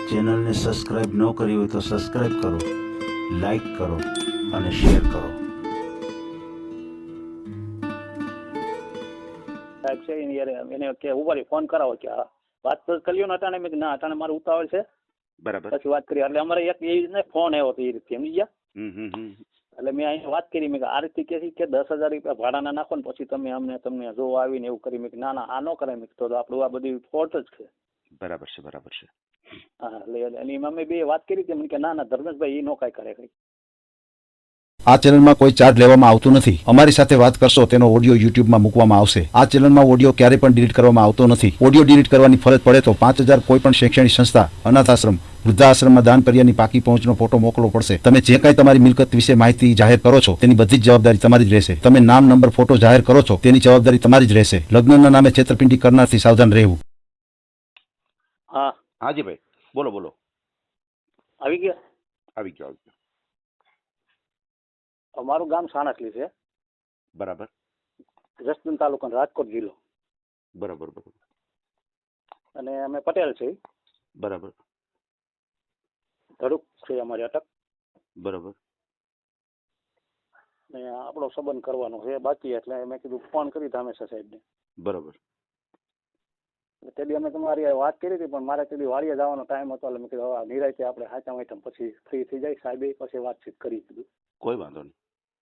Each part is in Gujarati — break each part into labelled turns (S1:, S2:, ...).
S1: ચેનલને સબસ્ક્રાઇબ ન કરી હોય તો સબસ્ક્રાઇબ કરો, લાઈક કરો અને શેર કરો.
S2: સાહેબ છે એને કે ઉભા ફોન કરાવો કે વાત તો કર્યો ને અટાણે મેં ના અટાણે મારે ઉતાવળ છે
S3: બરાબર.
S2: પછી વાત કરી એટલે અમારે એક એ રીતને ફોન આવ્યો હતો એ રીતે સમજી ગયા. એટલે મેં અહીંયા વાત કરી મેં આ રીતે કે 10,000 રૂપિયા ભાડાના નાખો ને પછી તમે તમને જો આવીને એવું કરી મેં ના ના આ ન કરાય મેં તો આપણું આ બધી ફોલ્ટ જ છે.
S3: બરાબર છે બરાબર છે.
S2: હા એટલે એની અમે બે વાત કરી હતી મને કે ના ના ધર્મેશભાઈ એ નો કાંઈ કરે કઈ.
S4: આ ચેનલમાં કોઈ ચાર્જ લેવામાં આવતો નથી. અમારી સાથે વાત કરશો તેનો ઓડિયો યુટ્યુબમાં મૂકવામાં આવશે. આ ચેનલમાં ઓડિયો ક્યારે પણ ડિલીટ કરવામાં આવતો નથી. ઓડિયો ડિલીટ કરવાની ફરજ પડે તો 5,000 કોઈ પણ શૈક્ષણિક સંસ્થા, અનાથ આશ્રમ, વૃદ્ધાશ્રમમાં દાન કર્યાની પાકી પહોંચનો ફોટો મોકલવો પડશે. તમે જે કાંઈ તમારી મિલકત વિશે માહિતી જાહેર કરો છો તેની બધી જ જવાબદારી તમારી જ રહેશે. તમે નામ, નંબર, ફોટો જાહેર કરો છો તેની જવાબદારી તમારી જ રહેશે. લગ્નના નામે છેતરપિંડી કરનારથી સાવધાન રહેવું.
S2: હા
S3: હાજી ભાઈ બોલો બોલો.
S2: આવી ગયા.
S3: આવી ગયો આવી ગયો.
S2: અમારું ગામ સાણસલી છે,
S3: બરાબર
S2: જસદણ તાલુકો, રાજકોટ જિલ્લો.
S3: બરાબર બરાબર
S2: અને અમે પટેલ છે.
S3: બરાબર
S2: ધડુક છે અમારી અટક.
S3: બરાબર.
S2: ને આપણો સંબંધ કરવાનો છે બાકી એટલે મેં કીધું ફોન કરી ધામેશા સાહેબને.
S3: બરાબર.
S2: તેથી અમે તમારી વાત કરી હતી પણ મારે તેથી વાડીએ જવાનો ટાઈમ હતો એટલે મેં કીધું હવે નિરાંતે આપણે હાચા વાંચા પછી ફ્રી થઈ જાય સાહેબે પછી વાતચીત કરી દીધું.
S3: કોઈ વાંધો નહીં.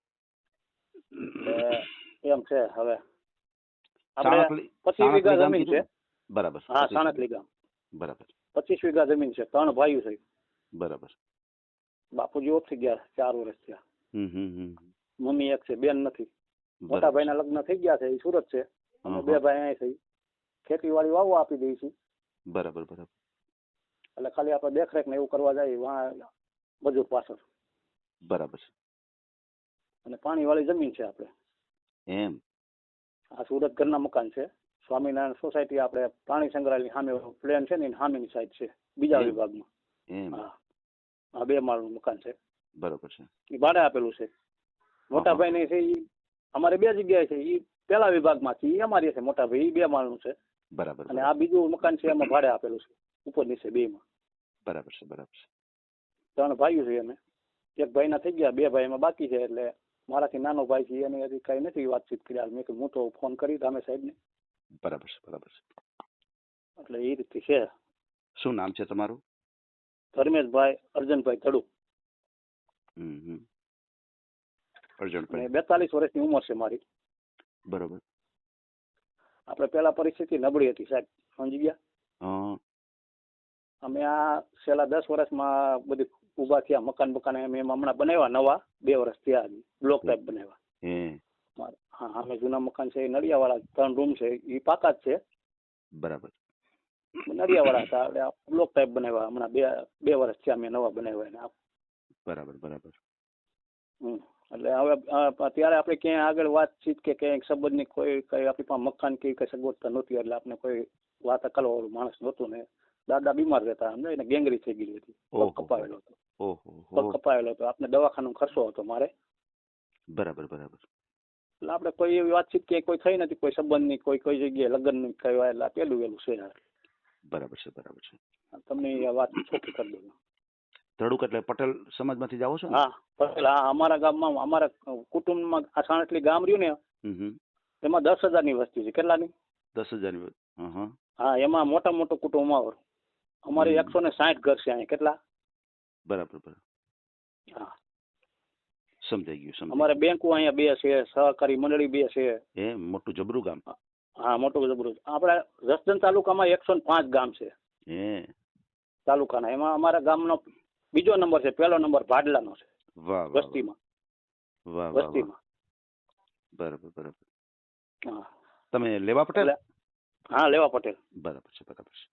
S2: એમ છે હવે આપણે
S3: સાણસલી-
S2: 25 વીઘા
S3: સાણસલી ગામ
S2: જમીન છે.
S3: કીધું? બરાબર.
S2: હા
S3: 25
S2: સાણસલી ગામ.
S3: બરાબર
S2: 25 વીઘા જમીન છે. 3 ભાઈઓ છે.
S3: બરાબર.
S2: બાપુજી ઓફ થઈ ગયા 4 વર્ષ થયા.
S3: હમ.
S2: મમ્મી એક છે, બેન નથી. મોટા
S3: બરાબર.
S2: ભાઈના લગ્ન થઈ ગયા છે, એ સુરત છે. અમે
S3: હમ.
S2: 2 ભાઈ અહીં છે. ખેતીવાડી વાવવા આપી દઈ છે
S3: બરાબર બરાબર
S2: એટલે ખાલી આપણે દેખરેખ ને એવું કરવા જાય વાં મજૂર પાછળ.
S3: બરાબર છે.
S2: અને પાણીવાળી જમીન છે આપણે.
S3: એમ.
S2: આ સુરત ઘરના મકાન છે. સ્વામિનારાયણ સોસાયટી આપણે પ્રાણી સંગ્રહાલયની સામે પ્લેન છે ને એની સામેની સાઈડ છે બીજા
S3: એમ.
S2: વિભાગમાં.
S3: એમ.
S2: હા આ 2 માળનું મકાન છે.
S3: બરાબર છે.
S2: એ ભાડે આપેલું છે. મોટા ભાઈ ને છે એ અમારે 2 જગ્યાએ છે. એ પેલા વિભાગમાં છે, એ અમારી છે. મોટા ભાઈ એ 2 માળનું છે
S3: બરાબર.
S2: અને આ બીજું મકાન છે એમાં ભાડે આપેલું છે ઉપર નીચે 2માં.
S3: બરાબર છે બરાબર છે.
S2: 3 ભાઈઓ છે અમે. એક ભાઈના થઈ ગયા, 2 ભાઈ એમાં બાકી છે. એટલે મારાથી નાનો ભાઈ છે એને હજી કઈ નથી વાતચીત કરી. મેં કીધું હું તો ફોન કરી ધામે સાહેબને.
S3: બરાબર છે બરાબર છે.
S2: એટલે એ રીતે છે.
S3: શું નામ છે તમારું?
S2: ધર્મેશભાઈ અર્જનભાઈ ધડુ.
S3: હમ.
S2: અને
S3: અર્જુનભાઈ.
S2: 42 વર્ષની ઉંમર છે મારી.
S3: બરાબર.
S2: આપણે પેલા પરિસ્થિતિ નબળી હતી સાહેબ સમજી ગયા.
S3: હા.
S2: અમે આ છેલ્લા 10 વર્ષમાં બધી ઊભા થયા. મકાન અમે હમણાં બનાવ્યા નવા 2 વર્ષ થયા. બ્લોક ટાઈપ બનાવ્યા. હા અમે જૂના મકાન છે એ નડિયાવાળા 3 રૂમ છે એ પાકા જ છે.
S3: બરાબર.
S2: નડિયાવાળા હતા એટલે બ્લોક ટાઈપ બનાવ્યા. હમણાં 2 વર્ષ થયા અમે નવા બનાવ્યા.
S3: બરાબર બરાબર.
S2: એટલે હવે ત્યારે આપણે ક્યાંય આગળ વાતચીત કે ક્યાંય સંબંધની કોઈ કઈ આપણી પાસે મકાન કે કઈ સગવડતા નહોતી એટલે આપણે કોઈ વાત કરવાવાળું માણસ નહોતું ને. દાદા બીમાર રહેતા સમજો એને ગેંગરી થઈ ગયેલી હતી. પગ કપાયેલો હતો. પગ કપાયેલો હતો. આપણે દવાખાનો ખર્ચો હતો મારે.
S3: બરાબર બરાબર.
S2: એટલે આપણે કોઈ એવી વાતચીત કે કોઈ થઈ નથી. કોઈ સંબંધની કોઈ જગ્યાએ લગ્નની કહેવાય એટલે પેલું છે.
S3: બરાબર છે બરાબર છે.
S2: તમને એ વાત ચોખ્ખી કરી દઉં.
S3: ધડુક એટલે પટેલ સમાજમાંથી જાઓ છો ને?
S2: હા પટેલ. હા અમારા ગામમાં અમારા કુટુંબમાં આ સાણસલી ગામ રહ્યું ને એમાં 10,000ની વસ્તી છે. કેટલાની?
S3: 10,000.
S2: હા એમાં મોટા મોટું કુટુંબ અમારું. અમારે 160 ઘર છે અહીંયા. કેટલા?
S3: બરાબર બરાબર.
S2: હા
S3: સમજાઈ ગયું.
S2: અમારે બેંકો અહીંયા 2 છે. સહકારી મંડળી 2 છે.
S3: એ મોટું જબરું ગામ.
S2: હા મોટું જબરું. આપણે જસદણ તાલુકામાં 105 ગામ છે તાલુકાના. એમાં અમારા ગામનો બીજો નંબર છે. પહેલો નંબર ભાડલાનો છે.
S3: વાહ
S2: વસ્તીમાં.
S3: વાહ
S2: વસ્તીમાં.
S3: બરાબર બરાબર.
S2: હા
S3: તમે લેવા પટેલ?
S2: હા લેવા પટેલ.
S3: બરાબર છે બરાબર છે.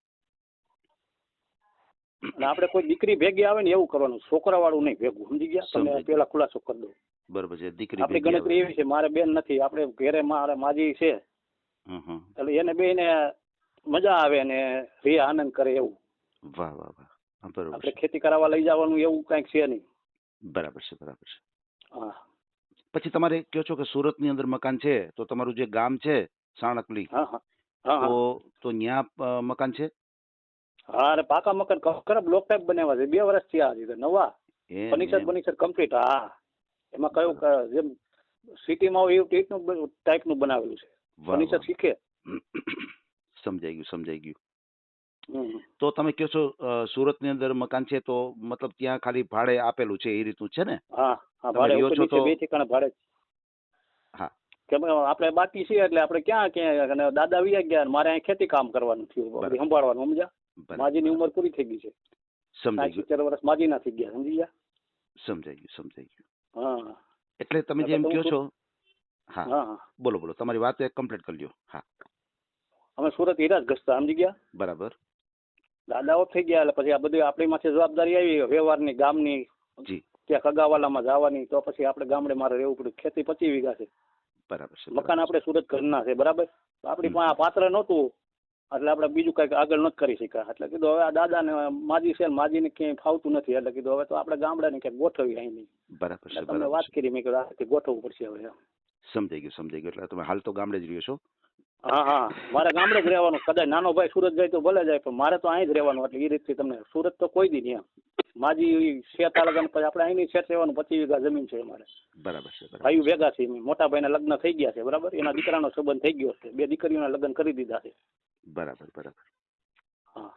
S2: અને આપણે કોઈ દીકરી ભેગી આવે ને એવું કરવાનું. છોકરા વાળું નહીં ભેગું. સમજી ગયા? તમે પેલા ખુલાસો કરી દો.
S3: બરાબર છે. દીકરી
S2: આપણી ગણતરી એવી છે. મારે બેન નથી. આપણે ઘેરે મારે માજી છે એટલે એને બેને મજા આવે ને રે આનંદ કરે એવું.
S3: વાહ વાહ વાહ. બરાબર.
S2: આપણે ખેતી કરાવવા લઈ જવાનું એવું કઈક છે નહીં.
S3: બરાબર છે બરાબર છે.
S2: હા
S3: પછી તમારે કહો છો કે સુરતની અંદર મકાન છે તો તમારું જે ગામ છે સાણકલી
S2: હા હા હા
S3: તો ત્યાં મકાન છે?
S2: હા અરે પાકા મકાન ખરા બ્લોક ટાઈપ બનાવ્યા છે 2 વર્ષ થયા હજી તો નવા ફર્નિચર કમ્પ્લીટ. હા એમાં કયું જેમ સિટીમાં હોય એવું ટાઈપનું બનાવેલું છે. ફર્નિચર શીખે.
S3: સમજાઈ ગયું.
S2: હમ.
S3: તો તમે કહો છો સુરતની અંદર મકાન છે તો મતલબ ત્યાં ખાલી ભાડે આપેલું છે એ રીતનું છે ને?
S2: હા હા
S3: તમે
S2: ભાડે
S3: રહ્યો
S2: ઉપર
S3: છો
S2: નીચે
S3: તો-
S2: 2 ઠેકાણે ભાડે.
S3: હા
S2: કેમ કે આપણે બાકી છીએ એટલે આપણે ક્યાં અને દાદા વી ગયા ને મારે અહીં ખેતી કામ કરવાનું થયું
S3: બરાબર.
S2: સંભાળવાનું સમજ્યા.
S3: બરાબર.
S2: માજીની ઉંમર પૂરી થઈ ગઈ છે.
S3: સમજાઈ
S2: 70 વર્ષ માજીના થઈ ગયા સમજી ગયા.
S3: ગયું.
S2: હા
S3: એટલે તમે
S2: એટલે
S3: જેમ
S2: તો હું
S3: કહો છો હા
S2: હા હા
S3: બોલો તમારી વાત કમ્પ્લીટ કરી લ્યો. હા
S2: અમે સુરત હીરા જ ઘસતા સમજી ગયા.
S3: બરાબર.
S2: દાદા ઓફ થઈ ગયા એટલે પછી આ બધી આપણી માથે જવાબદારી આવી વ્યવહારની ગામની
S3: જી
S2: ત્યાં કગાવાલામાં જવાની તો પછી આપણે ગામડે મારે રહેવું પડ્યું. ખેતી 25 વીઘા છે.
S3: બરાબર છે.
S2: મકાન આપણે સુરત ઘરના છે બરાબર. આપણી પાસે આ પાત્ર નહોતું એટલે આપણે બીજું કંઈક આગળ નથી કરી શક્યા. એટલે કીધું હવે આ દાદાને માજી છે ને માજીને ક્યાંય ફાવતું નથી એટલે કીધું હવે તો આપણે ગામડાને ક્યાંક ગોઠવી અહીં નહીં.
S3: બરાબર છે.
S2: તમને વાત કરી મેં કીધું આ ગોઠવવું પડશે હવે.
S3: સમજાઈ ગયું. એટલે તમે હાલ તો ગામડે જ રહ્યો છો?
S2: હા હા મારે ગામડે જ રહેવાનું. કદાચ નાનો ભાઈ સુરત જાય તો ભલે જાય પણ મારે તો અહીં જ રહેવાનું. એટલે એ રીતથી તમને સુરત તો કોઈ દી નહીં એમ. માજી શેત લગન પછી આપણે અહીંની શેત રહેવાનું. 25 વીઘા જમીન છે અમારે.
S3: બરાબર છે.
S2: ભાઈઓ ભેગા છે. મોટા ભાઈના લગ્ન થઈ ગયા છે બરાબર. એના દીકરાનો સંબંધ થઈ ગયો છે. 2 દીકરીઓના લગ્ન કરી દીધા છે.
S3: બરાબર.
S2: હા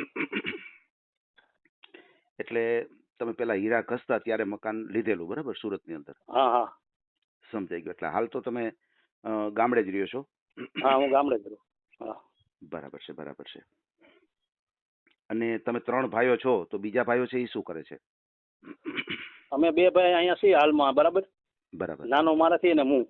S3: એટલે તમે પેલા હીરા ઘસતા ત્યારે મકાન લીધેલું બરાબર સુરતની અંદર?
S2: હા હા
S3: સમજાઈ ગયું. એટલે હાલ તો તમે ગામડે જ રહ્યો છો?
S2: હા હું ગામડે જ રહું. હા
S3: બરાબર છે. અને તમે 3 ભાઈઓ છો તો બીજા ભાઈઓ છે એ શું કરે છે?
S2: અમે 2 ભાઈ અહીંયા છીએ હાલમાં બરાબર.
S3: બરાબર.
S2: નાનો મારાથી ને હું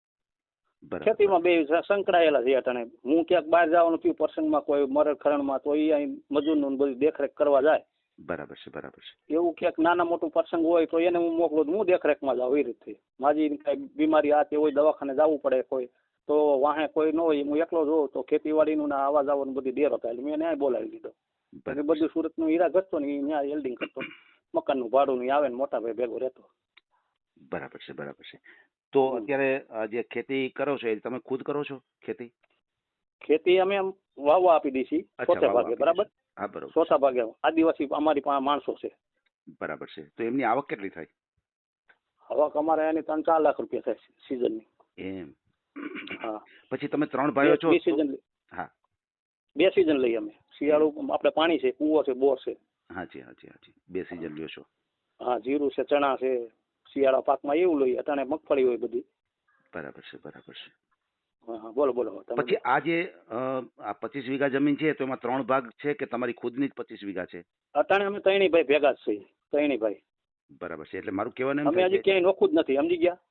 S2: ખેતીમાં 2 સંકળાયેલા છે અટાણે. હું ક્યાંક બહાર જવાનું થયું પ્રસંગમાં કોઈ મરણ ખરણમાં તો એ અહીં મજૂરનું બધી દેખરેખ કરવા જાય.
S3: બરાબર છે.
S2: એવું ક્યાંક નાના મોટું પ્રસંગ હોય તો એને હું મોકલું હું દેખરેખમાં જાઉં એ રીતે. માજી કઈ બીમારી આ તે હોય દવાખાને જવું પડે કોઈ તો વાહે કોઈ ન હોય હું એકલો જોઉં તો ખેતીવાડીનું ના આવા જવાનું બધી ડેરો થાય. મેં એને બોલાવી દીધો. બધું સુરતનું હીરા ઘસતો ને ત્યાં એલ્ડિંગ કરતો. મકાનનું ભાડું નહીં આવે ને મોટા ભાઈ ભેગો રહેતો.
S3: બરાબર છે. તો અત્યારે જે ખેતી કરો છો એ તમે ખુદ કરો છો ખેતી?
S2: ખેતી અમે વાવવા આપી દઈશી ચોથા ભાગે બરાબર.
S3: હા બરાબર.
S2: ચોથા ભાગે આદિવાસી અમારી પાસે માણસો છે.
S3: બરાબર છે. તો એમની આવક કેટલી થાય?
S2: આવક અમારે એની 3-4 લાખ રૂપિયા થાય સિઝનની.
S3: એમ.
S2: હા
S3: પછી તમે 3 ભાઈઓ છો?
S2: 2 સિઝન.
S3: હા
S2: 2 સિઝન લઈએ અમે. શિયાળું આપણે પાણી છે, કૂવો છે, બોર છે.
S3: હાજી 2 સિઝન લ્યો છો.
S2: હા જીરું છે, ચણા છે. શિયાળા પાકમાં એવું લઈએ. અટાણે મગફળી હોય બધી.
S3: બરાબર છે.
S2: હા બોલો તમે.
S3: પછી આ જે આ 25 વીઘા જમીન છે તો એમાં 3 ભાગ છે કે તમારી ખુદની જ 25 વીઘા છે?
S2: અટાણે અમે ત્રણેય ભાઈ ભેગા જ છીએ. ત્રણેય ભાઈ.
S3: બરાબર છે. એટલે મારું કહેવાનું એમ
S2: અમે હજી ક્યાંય નોખું જ નથી સમજી ગયા.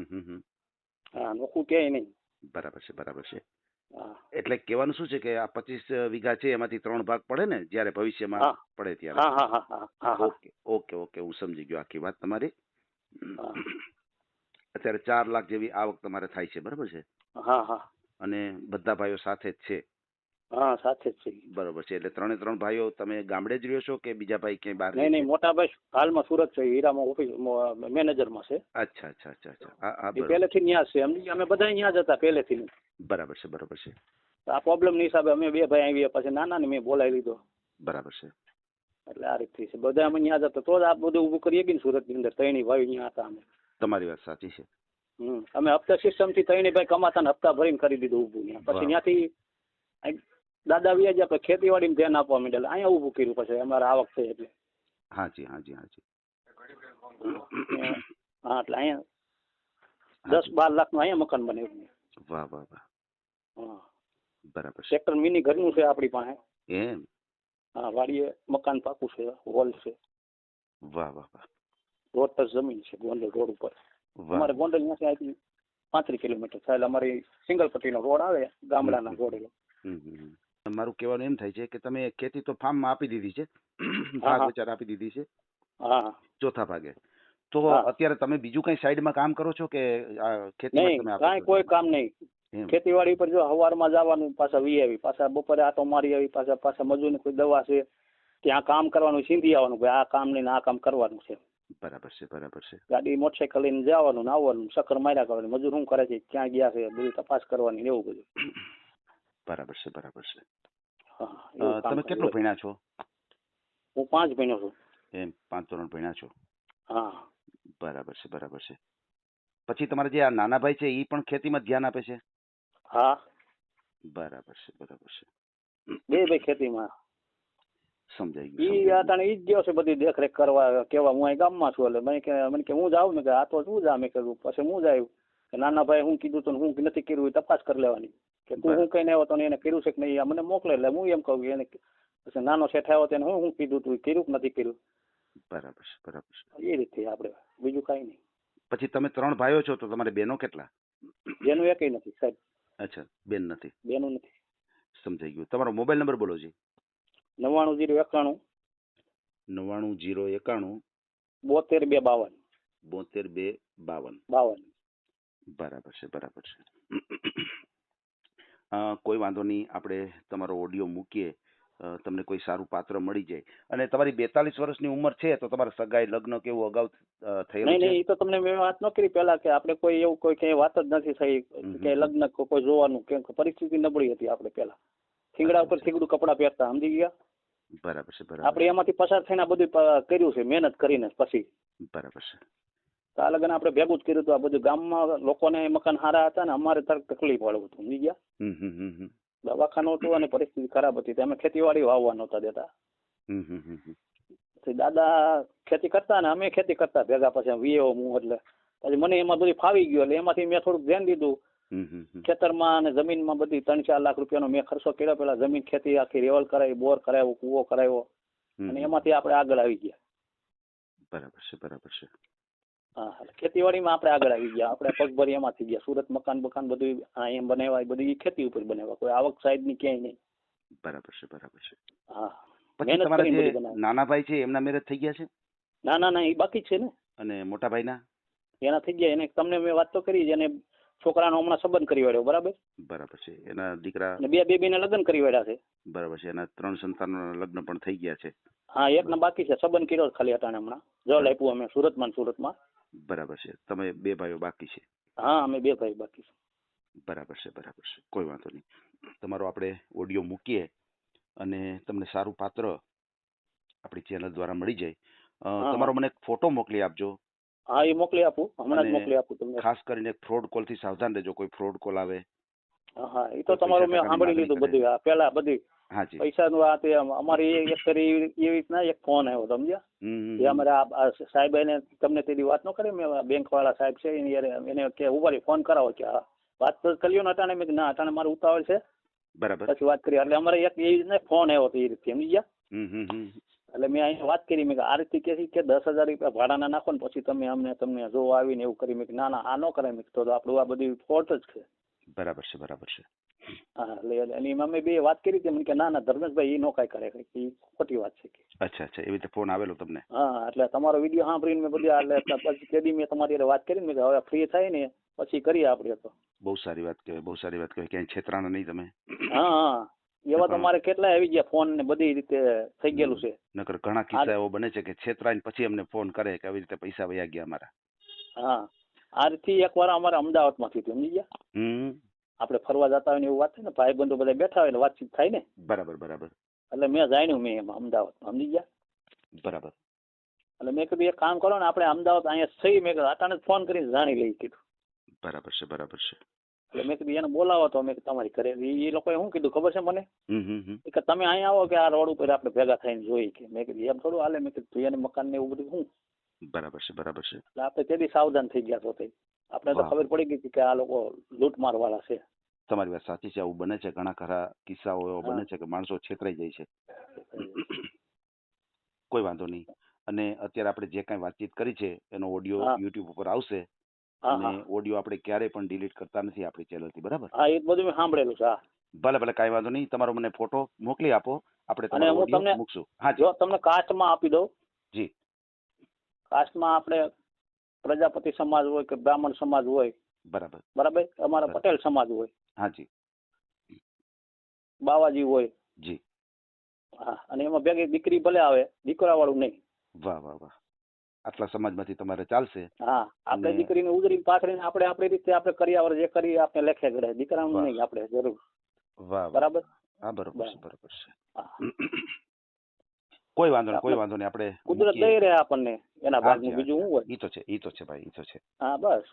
S2: હા નોખું ક્યાંય નહીં.
S3: બરાબર છે.
S2: હા
S3: એટલે કહેવાનું શું છે કે આ 25 વીઘા છે એમાંથી 3 ભાગ પડે ને જ્યારે ભવિષ્યમાં પડે ત્યારે?
S2: હા
S3: ઓકે હું સમજી ગયો આખી વાત તમારી.
S2: હા
S3: અત્યારે 4 લાખ જેવી આવક તમારે થાય છે બરાબર છે?
S2: હા
S3: અને બધા ભાઈઓ સાથે જ છે?
S2: હા સાથે જ છે.
S3: બરોબર છે. એટલે 3 ભાઈઓ તમે ગામડે જ રહ્યો છો કે બીજા ભાઈ ક્યાંય બહાર?
S2: નહીં મોટા ભાઈ હાલમાં સુરત છે. હીરામાં ઓફિસ મેનેજરમાં છે.
S3: અચ્છા. હા
S2: પહેલેથી ત્યાં છે સમજી. અમે બધા અહીંયા જ હતા પહેલેથી.
S3: બરાબર છે.
S2: આ પ્રોબ્લેમ ની હિસાબે અમે 2 ભાઈ આવ્યા પછી નાના ને મેં બોલાવી લીધો.
S3: બરાબર છે.
S2: એટલે આ રીતથી છે. બધા અમે ત્યાં જતા તો જ આ બધું ઊભું કરીએ કે સુરત ની અંદર. ત્રણેય ભાઈ અહીંયા હતા અમે.
S3: તમારી વાત સાચી છે.
S2: અમે હપ્તા સિસ્ટમ થી ત્રણેય ભાઈ કમાતા ને હપ્તા ભરીને કરી દીધું ઊભું. પછી ત્યાંથી દાદા વ્યાજ આપણે ખેતીવાડીમાં ધ્યાન આપવા માંડેલા. અહીંયા ઊભું કર્યું પછી અમારે આવક થઈ એટલે.
S3: હાજી.
S2: હા એટલે અહીંયા 10-12 લાખનું અહીંયા મકાન બનાવ્યું.
S3: વાહ.
S2: હા
S3: બરાબર છે.
S2: સેક્ટર મિની ઘરનું છે આપણી પાસે.
S3: એમ?
S2: હા વાડીએ મકાન પાકું છે. હોલ છે.
S3: વાહ.
S2: રોડ પર જમીન છે ગોંડલ રોડ ઉપર. અમારે ગોંડલ ત્યાંથી અહીંથી 35 કિલોમીટર થાય. એટલે અમારી સિંગલ પટ્ટીનો રોડ આવે ગામડાના રોડ.
S3: મારું કહેવાનું એમ થાય છે કે તમે ખેતી તો ફાર્મમાં આપી દીધી છે, ભાગ વિચાર આપી દીધી છે.
S2: હા
S3: ચોથા ભાગે. તો અત્યારે તમે બીજું કઈ સાઈડમાં કામ કરો છો કે ખેતીમાં તમે
S2: કાંઈ કોઈ કામ નહીં. ખેતીવાડી પર જો સવારમાં જવાનું પાછા વી આવી પાછા બપોરે આટો મારી આવી પાછા મજૂરની કોઈ દવા છે ત્યાં કામ કરવાનું સિંધી આવવાનું ભાઈ આ કામ નહીં આ કામ કરવાનું છે.
S3: બરાબર છે.
S2: ગાડી મોટરસાઇકલ લઈને જવાનું ને આવવાનું. ચક્કર માર્યા કરવાનું. મજૂર શું કરે છે ક્યાં ગયા છે બધી તપાસ કરવાની એવું બધું.
S3: બરાબર છે.
S2: હા, એવું કામ
S3: તમે
S2: કરે.
S3: કેટલું ભણ્યા છો?
S2: હું 5 ભણ્યો છું.
S3: એમ 5 ધોરણ ભણ્યા છો.
S2: હા.
S3: બરાબર છે, બરાબર છે. પછી તમારા જે આ નાના ભાઈ છે એ પણ ખેતીમાં ધ્યાન આપે છે?
S2: હા,
S3: બરાબર છે, બરાબર છે.
S2: બે ભાઈ ખેતીમાં.
S3: સમજાઈ ગયું,
S2: ઈ
S3: સમજાઈ ગયું.
S2: અટાણે ઈ જ ગયો છે બધી દેખરેખ કરવા, કેવા હું અહીં ગામમાં છું. એટલે મને કે હું જાઉં ને કે આ તો શું જા મેં કીધું. પછી હું જાય કે નાના ભાઈ હું કીધું તો હું નથી કર્યું એ તપાસ કરી લેવાની કે તું હું કહીને આવ્યો તો એને કર્યું છે કે નહીં, આ મને મોકલે. એટલે હું એમ કહું એને પછી નાનો શેઠ આવ્યો તેને હું કીધું તું કર્યું કે નથી કર્યું.
S3: બરાબર છે, બરાબર છે.
S2: એ રીતે આપણે બીજું કાંઈ નહીં.
S3: પછી તમે 3 ભાઈઓ છો તો તમારે બહેનો કેટલા?
S2: બેનું એકય નથી સાહેબ,
S3: અચ્છા, બેન નથી.
S2: બેનું નથી.
S3: સમજાઈ ગયું. તમારો મોબાઈલ નંબર બોલો જી.
S2: 99
S3: 99
S2: 091
S3: 72 252
S2: 72 252.
S3: બરાબર છે, બરાબર છે. કોઈ વાંધો નહીં, આપણે તમારો ઓડિયો મૂકીએ, તમને કોઈ સારું પાત્ર મળી જાય. અને તમારી 42 વર્ષની ઉંમર છે તો તમારા સગાઈ લગ્ન કેવું અગાઉ થયેલું
S2: નહીં
S3: છે?
S2: નહીં, એ તો તમને મેં વાત ન કરી પહેલા કે આપણે કોઈ એવું કોઈ ક્યાંય વાત જ નથી થઈ કે લગ્ન કોઈ જોવાનું, કેમ કે પરિસ્થિતિ નબળી હતી આપણે પહેલા. થીંગડા ઉપર થીંગડું કપડાં પહેરતા, સમજી ગયા.
S3: બરાબર છે, બરાબર.
S2: આપણે એમાંથી પસાર થઈને આ બધું કર્યું છે મહેનત કરીને. પછી
S3: બરાબર છે.
S2: તો આ લગ્ન આપણે ભેગું જ કર્યું હતું. આ બધું ગામમાં લોકોને મકાન સારા હતા ને અમારે તરફ તકલીફ વાળું હતું, સમજી ગયા.
S3: હમ હમ હમ હમ.
S2: દવાખાનું હતું અને પરિસ્થિતિ ખરાબ હતી. અમે ખેતીવાડી વાવવા નહોતા દેતા.
S3: હમ હમ હમ હમ.
S2: પછી દાદા ખેતી કરતા ને અમે ખેતી કરતા ભેગા. પછી વીએઓ હું એટલે પછી મને એમાં બધું ફાવી ગયું. એટલે એમાંથી મેં થોડુંક ધ્યાન દીધું. ખેતરમાં અને જમીનમાં બધી 3-4 લાખ રૂપિયાનો મેં ખર્ચો કર્યો. પેલા જમીન ખેતી આખી રેવલ કરાવી, બોર કરાવ્યો, કૂવો કરાવ્યો અને એમાંથી આપણે આગળ આવી ગયા.
S3: બરાબર છે, બરાબર છે.
S2: હા, ખેતીવાડીમાં આપણે આગળ આવી ગયા. આપણે પગભરી એમાં થઈ ગયા. સુરત મકાન બધું એમ બનાવ્યા, એ બધું ખેતી ઉપર બનાવ્યા. કોઈ આવક સાઈડ ની ક્યાંય નહીં.
S3: બરાબર છે, બરાબર છે.
S2: હા.
S3: પછી તમારા જે નાના ભાઈ છે એમના મેરેજ થઈ ગયા છે?
S2: ના એ બાકી છે ને.
S3: અને મોટા ભાઈના?
S2: એના થઈ ગયા. એને તમને મેં વાત તો કરી. એને છોકરાનો હમણાં સંબંધ કરી વાળ્યો. બરાબર.
S3: બરાબર છે. એના દીકરા?
S2: બે બેબીને લગ્ન કરી વાળ્યા છે.
S3: બરાબર છે. એના 3 સંતાનોના લગ્ન પણ થઈ ગયા છે.
S2: હા, એકના બાકી છે. સંબંધ કર્યો ખાલી અટાણે હમણાં. જલ આપ્યું અમે સુરતમાં.
S3: બરાબર છે. તમે 2 ભાઈઓ બાકી છે?
S2: હા, અમે 2 ભાઈ બાકી છે.
S3: બરાબર છે, બરાબર છે. કોઈ વાંધો નહીં. તમારો આપણે ઓડિયો મૂકીએ અને તમને સારું પાત્ર આપણી ચેનલ દ્વારા મળી જાય. તમારો મને એક ફોટો મોકલી આપજો.
S2: હા, એ મોકલી આપું. હમણાં જ મોકલી આપું તમને.
S3: ખાસ કરીને ફ્રોડ કોલ થી સાવધાન રહેજો. કોઈ ફ્રોડ કોલ આવે.
S2: હા, એ તો તમારું મેં સાંભળી લીધું બધું. પેલા બધી પૈસાનું આ તે અમારી એક એવી રીતના એક ફોન આવ્યો, સમજ્યા. એ અમારા સાહેબ એને તમને તેની વાત ન કરી. મેં બેંક વાળા સાહેબ છે એને કે ઉભારી ફોન કરાવો કે વાત તો કર્યો ને અટાણે. મેં ના અટાણે મારે ઉતાવળ છે.
S3: બરાબર.
S2: પછી વાત કરી. એટલે અમારે એક એ રીતના ફોન આવ્યો હતો એ રીતે, સમજી ગયા. એટલે મેં અહીંયા વાત કરી. મેં આ રીતે કે 10,000 રૂપિયા ભાડાના નાખો ને પછી તમે તમને જો આવીને એવું કરી. મેં ના આ ન કરાય. મેં તો આપણું આ બધી ફોલ્ટ જ છે.
S3: બરાબર છે, બરાબર છે.
S2: હા, એટલે એની અમે બે વાત કરી હતી. કે ના ધર્મેશભાઈ એ નો કાંઈ કરે, એ ખોટી વાત છે.
S3: અચ્છા, એવી રીતે ફોન આવેલો તમને?
S2: હા, એટલે તમારો વિડીયો સાંભળીને મેં બધી પછી તેદી મેં તમારી વાત કરીને મેં હવે ફ્રી થાય ને પછી કરીએ આપણે. તો
S3: બહુ સારી વાત કહેવાય, બહુ સારી વાત કહેવાય. ક્યાંય છેતરાના નહીં તમે.
S2: હા, એવા તમારે કેટલા આવી ગયા ફોન ને બધી રીતે થઈ ગયેલું છે.
S3: નકર ઘણા કિસ્સા એવો બને છે કે છેતરાઈને પછી અમને ફોન કરે કે આવી રીતે પૈસા વયા ગયા અમારા.
S2: હા, આ રીતે એકવાર અમારે અમદાવાદમાંથી હતી, સમજી ગયા. આપણે ફરવા જતા હોય ને એવું વાત થાય ને, ભાઈબંધો બધા બેઠા હોય એટલે વાતચીત થાય ને.
S3: બરાબર, બરાબર.
S2: એટલે મેં જાણ્યું મેં એમાં અમદાવાદમાં, સમજી ગયા.
S3: બરાબર.
S2: એટલે મેં કીધું એક કામ કરો ને, આપણે અમદાવાદ અહીંયા થઈ. મેં કીધું અચાનક ફોન કરીને જાણી લઈ કીધું.
S3: બરાબર છે, બરાબર છે.
S2: એટલે મેં કીધું એને બોલાવો તો મેં તમારી ઘરે. એ લોકોએ શું કીધું ખબર છે મને? કે તમે અહીંયા આવો કે આ રોડ ઉપર આપણે ભેગા થઈને જોઈ. કે મેં કીધું એમ થોડું હાલે. મેં કીધું એને મકાન ને એવું બધું શું.
S3: બરાબર છે, બરાબર છે.
S2: એટલે આપણે તેથી સાવધાન થઈ ગયા. તો આપણે તો ખબર પડી ગઈ કે આ લોકો લૂંટમાર વાળા છે.
S3: તમારી વાત સાચી છે. આવું બને છે. ઘણા ખરા કિસ્સાઓ એવો બને છે કે માણસો છેતરાઈ જાય છે. કોઈ વાંધો નહીં. અને અત્યારે આપણે જે કાંઈ વાતચીત કરી છે એનો ઓડિયો યુટ્યુબ ઉપર આવશે. અને ઓડિયો આપણે ક્યારેય પણ ડિલીટ કરતા નથી આપણી ચેનલથી. બરાબર?
S2: હા, એ બધું મેં સાંભળેલું છે.
S3: ભલે કાંઈ વાંધો નહીં. તમારો મને ફોટો મોકલી આપો. આપણે તમારો ઓડિયો મૂકશું. હા,
S2: જો તમને કાસ્ટમાં આપી દઉં.
S3: જી.
S2: કાસ્ટમાં આપણે પ્રજાપતિ સમાજ હોય કે બ્રાહ્મણ સમાજ હોય.
S3: બરાબર.
S2: અમારા પટેલ સમાજ હોય.
S3: હાજી.
S2: બાવાજી હોય.
S3: જી.
S2: હા, અને એમાં ભેગી દીકરી ભલે આવે, દીકરા વાળું નહીં.
S3: વાહ વાહ વાહ. આટલા સમાજમાંથી તમારે ચાલશે?
S2: હા, આપણે દીકરીને ઉજરીને પાથરીને આપણે આપણી રીતે આપણે કર્યાવર જે કરી આપણે લેખે ગળે. દીકરાનું નહીં આપણે જરૂર.
S3: વાહ.
S2: બરાબર.
S3: હા બરોબર છે
S2: બરાબર.
S3: બરોબર છે.
S2: હા.
S3: કોઈ વાંધો નહીં કોઈ વાંધો નહીં આપણે
S2: કુદરત
S3: મૂકીએ.
S2: દઈ રહે આપણને એના
S3: હાજી,
S2: ભાગનું બીજું શું હોય.
S3: ઈ તો છે ઈ તો છે ભાઈ ઈ તો છે
S2: હા બસ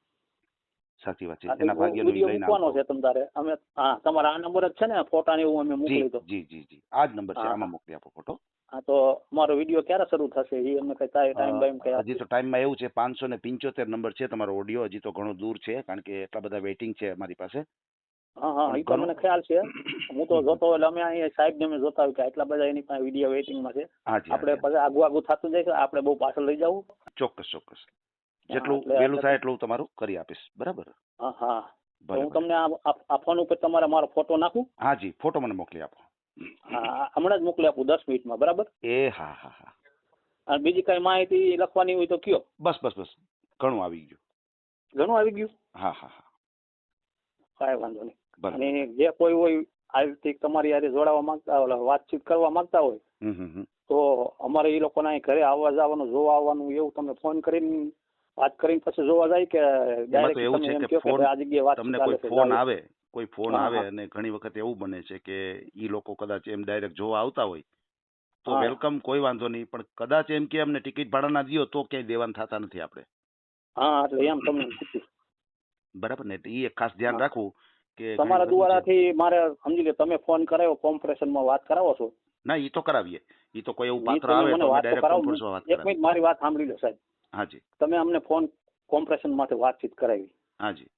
S3: સાચી વાત છે
S2: આ તો
S3: એના ભાગ્યનું ઈ
S2: વિડીયો
S3: લઈને
S2: મૂકવાનો
S3: આવતો.
S2: છે તમ તારે અમે હા તમારા આ નંબર જ છે ને ફોટા ને એવું અમે
S3: જી
S2: મોકલી દો.
S3: જી જી જી આ જ નંબર છે
S2: હા,
S3: આમાં
S2: હા.
S3: મોકલી આપો ફોટો.
S2: હા તો મારો વિડીયો ક્યારે શરૂ થશે એ અમને કઈ ટાઈમ બાઈમ કઈ
S3: હજી તો ટાઈમમાં એવું છે 575 નંબર છે તમારો ઓડિયો હજી તો ઘણો દૂર છે કારણ કે એટલા બધા વેઇટિંગ છે અમારી પાસે.
S2: હા હા
S3: પણ
S2: એ તો
S3: ઘણું-
S2: મને ખ્યાલ છે હું તો જોતો એટલે અમે અહીંયા સાહેબ ને અમે જોતા હોય કે આટલા બધા એની પાસે વિડીયો વેઇટિંગમાં છે
S3: હાજી
S2: આપણે
S3: હાજી,
S2: પછી આગું આગું થતું જાય છે આપણે બહુ પાછળ લઈ જવું.
S3: ચોક્કસ ચોક્કસ જેટલું
S2: એટલે-
S3: વહેલું થાય એટલું તમારું કરી આપીશ બરાબર.
S2: હા હા તો
S3: ભલે
S2: હું
S3: ભલે.
S2: તમને આ ફોન ઉપર તમારે મારો ફોટો નાખું.
S3: હાજી ફોટો મને મોકલી આપો.
S2: હા હમણાં જ મોકલી આપું 10 મિનિટમાં બરાબર.
S3: એ હા હા હા
S2: અને બીજી કઈ માહિતી લખવાની હોય તો કયો.
S3: બસ બસ બસ ઘણું આવી ગયું.
S2: ઘણું આવી ગયું
S3: હા હા હા
S2: કાંઈ વાંધો નહીં.
S3: ભલે.
S2: અને જે કોઈ હોય આ રીતે તમારી હારે જોડાવા માંગતા હોય વાતચીત કરવા માંગતા હોય
S3: હમ.
S2: તો અમારે એ લોકોના અહીં ઘરે આવવા જવાનું જોવા આવવાનું એવું તમે ફોન કરીને વાત કરીને પછી જોવા જાય કે
S3: એમાં તો એવું
S2: ડાયરેક્ટ તમે
S3: છે
S2: એમ
S3: કે
S2: કહો કે
S3: ફોન
S2: ભાઈ આ જગ્યાએ વાત
S3: તમને
S2: ચાલે
S3: કોઈ
S2: છે,
S3: ફોન
S2: જાઓ.
S3: આવે કોઈ ફોન
S2: હા,
S3: આવે
S2: હા.
S3: અને ઘણી વખત એવું બને છે કે ઈ લોકો કદાચ એમ ડાયરેક્ટ જોવા આવતા હોય તો
S2: હા.
S3: વેલકમ કોઈ વાંધો નહીં પણ કદાચ એમ કે અમને ટિકિટ ભાડા ના દ્યો તો ક્યાંય દેવાન થતા નથી આપણે
S2: હા એટલે એમ તમને પૂછ્યું.
S3: બરાબર ને એટલે ઈ એક ખાસ ધ્યાન
S2: હા.
S3: રાખવું કે ઘણી
S2: તમારા
S3: વખત શું છે-
S2: દ્વારાથી મારે સમજી લો તમે ફોન કરાવ્યો કોમ્પ્રેશનમાં વાત કરાવો છો
S3: ના ઈ તો કરાવીએ ઈ તો કોઈ એવું
S2: ઈ
S3: પાત્ર
S2: તમે
S3: આવે
S2: મને
S3: તો અમે
S2: વાત તો
S3: ડાયરેક્ટ
S2: કરાવો.
S3: કોન્ફરન્સમાં વાત
S2: એક
S3: કરાવીએ.
S2: મિનિટ મારી વાત સાંભળી લો સાહેબ.
S3: હાજી
S2: તમે અમને ફોન કોમ્પ્રેશન માટે વાતચીત કરાવી
S3: હાજી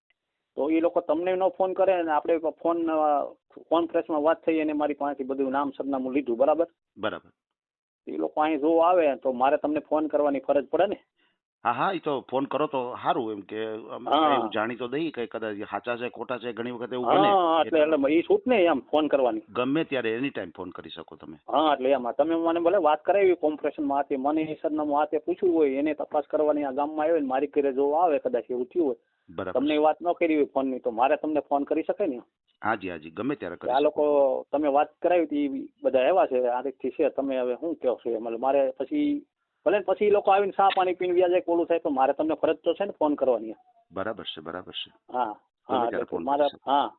S2: તો એ લોકો તમને નો ફોન કરે ને આપણે ફોન કોન્ફરન્સમાં વાત થઈ અને મારી પાસેથી બધું નામ સરનામું લીધું બરાબર.
S3: બરાબર
S2: એ લોકો અહીં જોવા આવે તો મારે તમને ફોન કરવાની ફરજ પડે ને.
S3: હા હા ઈ તો ફોન કરો તો સારું એમ કે અમે
S2: હા.
S3: એવું જાણી તો દઈએ કે કદાચ સાચા છે ખોટા છે ઘણી વખત એવું બને
S2: હા એટલે
S3: એટલે
S2: એટલે એ છૂટ ને એમ ફોન કરવાની.
S3: ગમે ત્યારે એની ટાઈમ ફોન કરી શકો તમે.
S2: હા એટલે એમાં તમે મને ભલે વાત કરાવી કોમ્પ્રેશનમાં હાથે મને એ સરનામું હાથે પૂછ્યું હોય એને તપાસ કરવાની આ ગામમાં આવે ને મારી ઘરે જોવા આવે કદાચ એવું થયું હોય
S3: બરાબર
S2: તમને એ વાત ન કરી હોય ફોનની તો મારે તમને ફોન કરી શકાય ને.
S3: હાજી હાજી ગમે ત્યારે
S2: કે
S3: કરી
S2: આ
S3: શકો.
S2: લોકો તમે વાત કરાવી હતી બધા એવા છે આ રીતથી છે તમે હવે શું કહો છો મતલબ મારે પછી ભલે ને પછી એ લોકો આવીને ચા પાણી પીને વ્યા જાય કોલું થાય તો મારે તમને ફરજ તો છે ને ફોન કરવાની.
S3: બરાબર છે બરાબર છે
S2: હા
S3: ગમે
S2: હા
S3: ત્યારે
S2: એટલે
S3: ફોન
S2: મારે
S3: કરી શકો.
S2: હા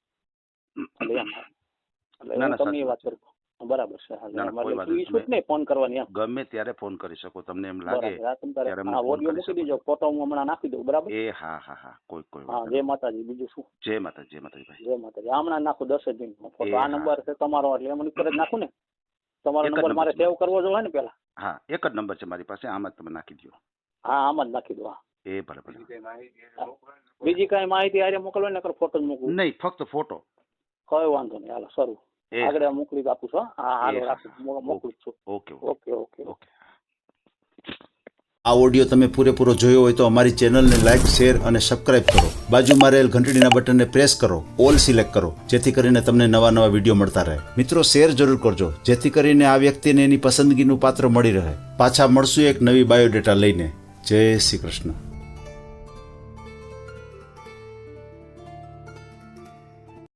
S2: એટલે એમ એટલે
S3: ના,
S2: હું
S3: ના,
S2: તમને
S3: સાચી
S2: એ વાત
S3: વાત
S2: કરું બરાબર છે.
S3: ના, ના, કોઈ
S2: એટલે
S3: વાંધો
S2: ઈ
S3: નહીં.
S2: છૂટ નહીં ફોન કરવાની એમ.
S3: ગમે ત્યારે ફોન કરી શકો તમને એમ લાગે
S2: બરાબર આ તમ તારે
S3: ત્યારે અમને
S2: હા
S3: ફોન
S2: ઓડિયો
S3: કરી
S2: મૂકી
S3: શકો.
S2: દેજો ફોટો હું હમણાં નાખી દઉં બરાબર.
S3: એ હા હા હા કોઈ
S2: હા
S3: વાંધો
S2: જય
S3: નહીં.
S2: માતાજી બીજું શું
S3: જય માતાજી ભાઈ.
S2: જય માતાજી હમણાં નાખું 10 જ મિનિટમાં
S3: એ
S2: ફોટો આ
S3: હા.
S2: નંબર છે તમારો એટલે એમ ઉપર જ નાખું ને તમારો
S3: એક જ
S2: નંબર
S3: નંબર
S2: મારે
S3: છે
S2: સેવ કરવો જોઈએ ને પેલા.
S3: હા એક જ નંબર છે મારી પાસે આમાં જ તમે નાખી દો.
S2: હા આમાં જ નાખી દો. હા
S3: એ ભલે ભલે.
S2: બીજી કઈ માહિતી આરે મોકલવા ને ફોટો જ મોકલું
S3: નહીં ફક્ત ફોટો.
S2: કઈ વાંધો નહીં હાલો શરૂ
S3: એ
S2: આગળ મોકલી આપું છું. હા હાલો
S3: એ
S2: રાખું
S3: હા.
S2: મોકલું છું.
S3: Okay
S2: okay okay
S3: okay.
S4: આ ઓડિયો તમે પૂરેપૂરો જોયો હોય તો અમારી ચેનલને લાઇક શેર અને સબસ્ક્રાઇબ કરો. બાજુમાં રહેલ ઘંટડીના બટનને પ્રેસ કરો, ઓલ સિલેક્ટ કરો, જેથી કરીને તમને નવા વિડીયો મળતા રહે. મિત્રો શેર જરૂર કરજો જેથી કરીને આ વ્યક્તિને એની પસંદગીનું પાત્ર મળી રહે. પાછા મળશું એક નવી બાયોડેટા લઈને. જય શ્રી કૃષ્ણ.